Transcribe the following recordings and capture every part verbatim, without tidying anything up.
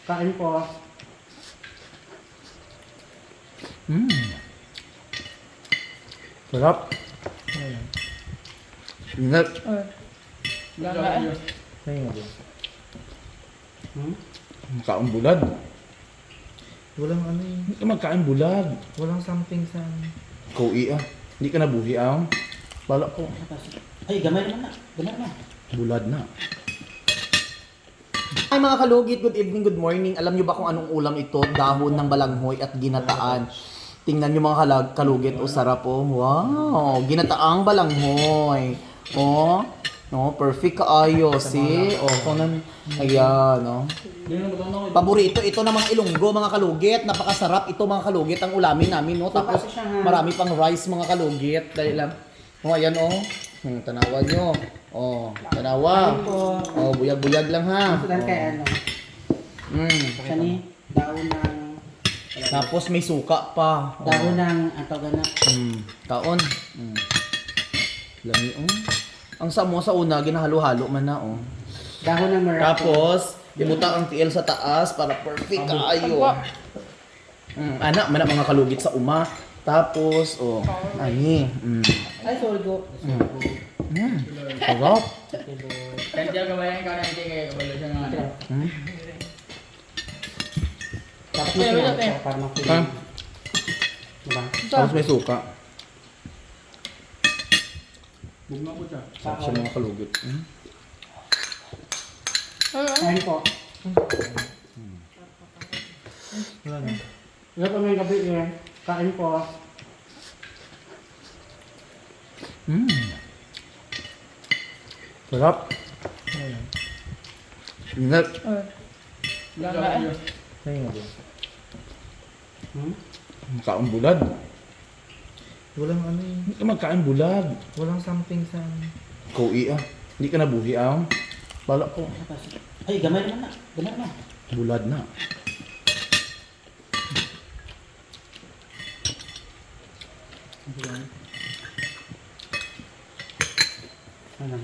Kain po. Mm. Sarap. Ingat. Ganga. Hmm? Kain bulad. Walang ano eh. Hindi ka magkain bulad. Walang something sa... Kaui ah. Hindi ka nabuhi ah. Bala ko. Ay, gamay naman na. Gamay naman. Bulad na. Ay mga kalugit, good evening, good morning. Alam nyo ba kung anong ulam ito? Dahon ng balanghoy at ginataan. Tingnan nyo mga kalag kalugit, o sarap oh. Wow, ginataang balanghoy. Oh, no, perfect kaayo, see? Oh, kung nan, ayan, no. Paborito ito ng mga Ilonggo, mga kalugit. Napakasarap ito mga kalugit ang ulamin namin, no. Tapos marami pang rice mga kalugit. Dahil lang, oh, ayan oh. Hmm, tanawa nyo. Oh, tanawa. Oh, buyag-buyag lang ha. Sudan kay ano. Mm. Kani, daon ng... Tapos may suka pa. Oh. Daon ng antaw na. Mm. Taon. Mm. Lami oh. Ang samo sa una, ginahalo-halo man na oh. Dahon ng maraco. Tapos, ibuta ang tiil sa taas para perfect kaayo. Mm. Anak, man ang mga kalugit sa uma. Tapos, oh, ani. Mm. Ay, sorry go. Mm. Sarap. Kan dia kebayang kau nanti kayak kebalo siya nga. Mm. Dapat mo Pero, siya eh. para Ah. ma-feel. Diba? Tapos may suka. Bugma po siya. Sarap siya mga kalugit. Mm. Kain po. Wala na. Ito pa may gabi eh. Kain po. Mm. Sarap. Ingat. Ganga. Kaya nga din. Hmm? Kain bulad. Walang ano eh. Hindi ka magkain bulad. Walang something sa... Kaui ah. Hindi ka nabuhi ah. Bala ko. Ay, gamay naman na. Gamay naman. Bulad na. Ano?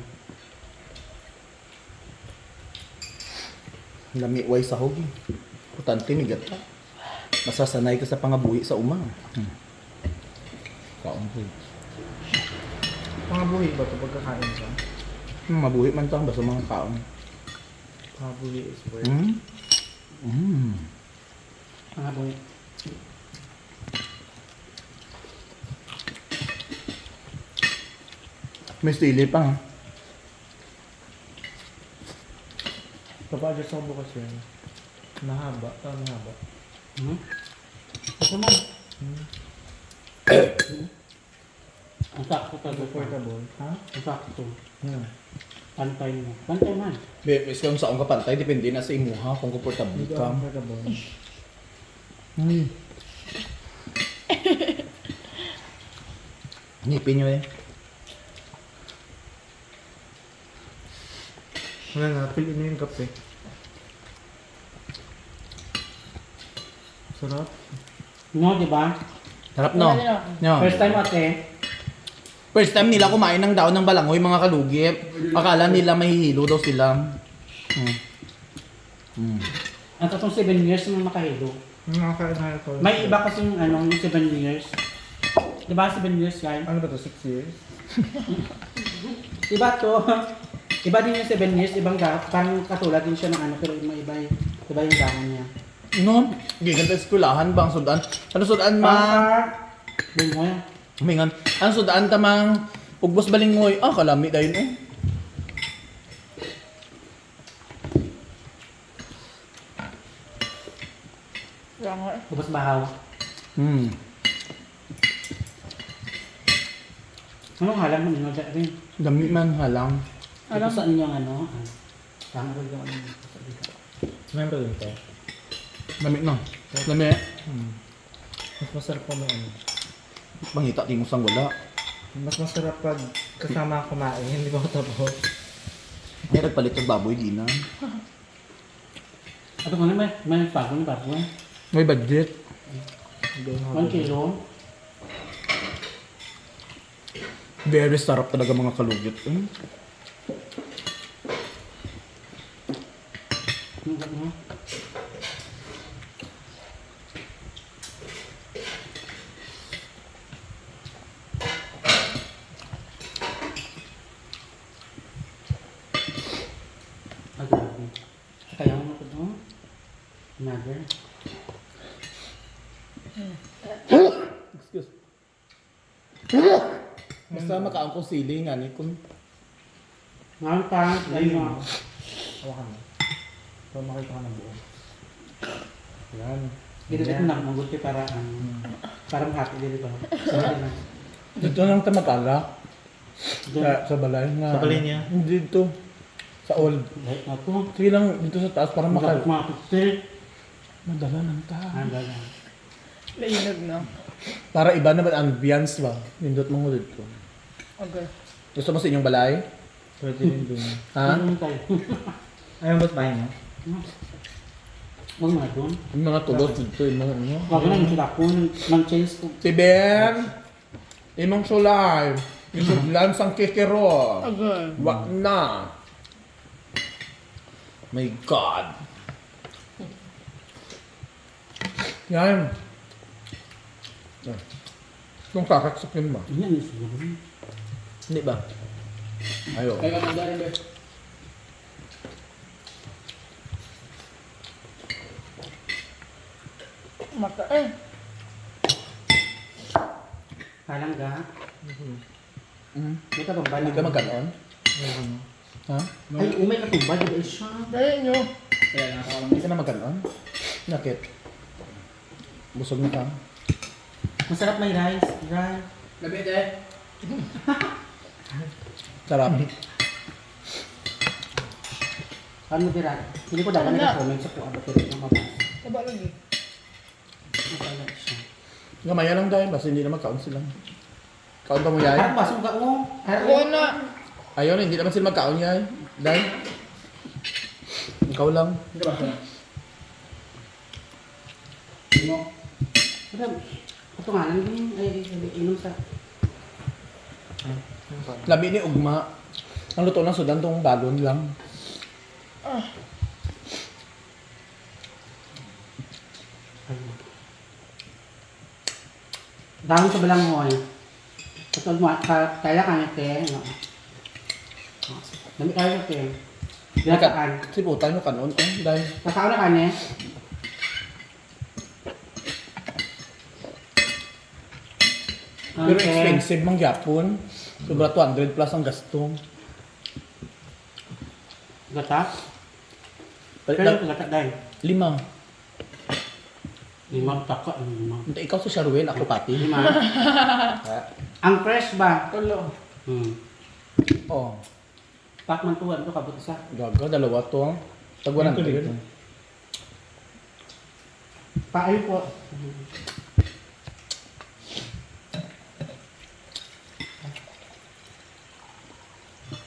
Lami way sa hogi. Putante migat pa. Masasanay ka sa pangabuhi sa uma. Hmm. Kaon ko. Pangabuhi ba ito pagkakain ka? Hmm, mabuhi man to basta mga kaon. Pangabuhi is word. Hmm. Hmm. Mga boy. May stili pa ha. Kapag sa bukas yun. Mahaba. Ah, mahaba. Hmm? Ito man. Hmm. Ang sakto talaga. Comfortable. Ha? Ang sakto. Yeah. Pantay mo. Pantay man. Be, is kung saan ka pantay, depende na sa imo ha, kung komportable Hindi ka. ka comfortable. Hmm. Ngipin nyo eh. Wala na. Piliin mo yung kape. Sarap. No, di ba? Sarap no? No. First time ate. First time nila kumain ng daon ng balangoy mga kalugit. Akala nila mahihilo daw sila. Hmm. Hmm. Ang tatong seven years naman makahilo. Nakakain na ito. May iba kasing ano, yung seven years. Di ba seven years guys? Ano ba to? six years? Iba to. Iba din yung seven years, ibang gap. Parang katulad din siya ng ano, pero iba iba, iba yung gamon niya. No? Gigan sa eskwelahan bang sudan? Ano sudan ma? Bingoy. Humingan. Ano sudan tamang ugbos balingoy? Ah, kalami dayon oh. Ganga. Ubos bahaw. Hmm. Anong halang mo nyo rin? Dami man halang. Ito sa inyong ano? ah, Tama ko yung ano. Remember din to? Dami no. Dami. Hmm. Mas masarap pa may ano. Pangita tingos ang wala. Mas masarap pag kasama kumain. Hindi ba ako tapos? Ay, nagpalit ng baboy di na. Ito ko na may, may bago na bago na. May budget. Hindi ako One kilo. Very sarap talaga mga kalugit. Hmm. Ano ba, ano? Another. Excuse. Basta makaang ko sili nga ni kung Ngayon pa, ayun mo. Hawakan mo. Para makita ka ng buo. Yan. Dito dito na maguti para ano. Para makati dito. Sorry na. dito lang ta mag-alak. Diyan. Sa, sa balay nga. Sa balay niya? Hindi dito. Sa old. Right na to. Sige lang dito sa taas para Makal. makal. Makapit. Madala lang ta. Ah, gala. Lainog na. Para iba naman ang ambience ba. Nindot mo ko dito. Okay. Gusto mo sa inyong balay? Pwede rin dun. Ha? Ano tayo? Ayaw ba't bahay mo? Huwag mga doon. Yung mga tulot dito, yung mga ano. Huwag na yung ko ng change ko. Si Ben! Imong sulay! Isudlan sang kikiro! Okay. Wag na! My God! Yan! Kung kakaksakin ba? Yan yung siguro. Hindi ba? Ayo. Kaya ka nagdarin ba? Mata eh. Kalang ga. Mm. May katumbal. Hindi ka magkaroon? Ha? Ay, umay katumbal. Di ba siya? Dali nyo. Kaya nakakalam. Hindi ka na magkaroon? Nakit? Busog na ka? Masarap may rice. Rice. Labit eh. Sarap. Ano mo dira? Hindi ko dapat Ano? nag-comment sa kuha. Ba't rin yung mabas? Taba lagi. Masala siya. Gamaya lang dahil, basta hindi na magkaon sila. Kaon pa mo yay? Harap basong ka o. Ako na. Ayaw na, hindi naman sila magkaon yay. Dahil, ikaw lang. Hindi ba siya? Hindi mo. Harap. Ito nga lang din. Ay, ay, ay, inom sa... Labi ni Ugma. Ang luto ng sudan tong balon lang. Ah. Dami sa balanghoy. Katol mo, ka- kaya ka niya, te. No? Dami kaya ka, te. Dinataan. Si puta nyo kanon. Oh, dahil. Kakao na ka niya. Pero expensive mang Japon. Sobra two hundred plus ang gasto. Gata? Pero, Pero yung gata dahil. lima. Limang taka. Limang. Hindi, ikaw si Sharwell, ako pati. Lima. Ang fresh ba? Tulo. Hmm. Oh, Pakman tuwan to, kabut isa. gaga, dalawa to. Tag one hundred. Paayo po.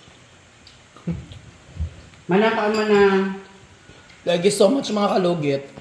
Manakaon man na. Thank you so much mga kalugit.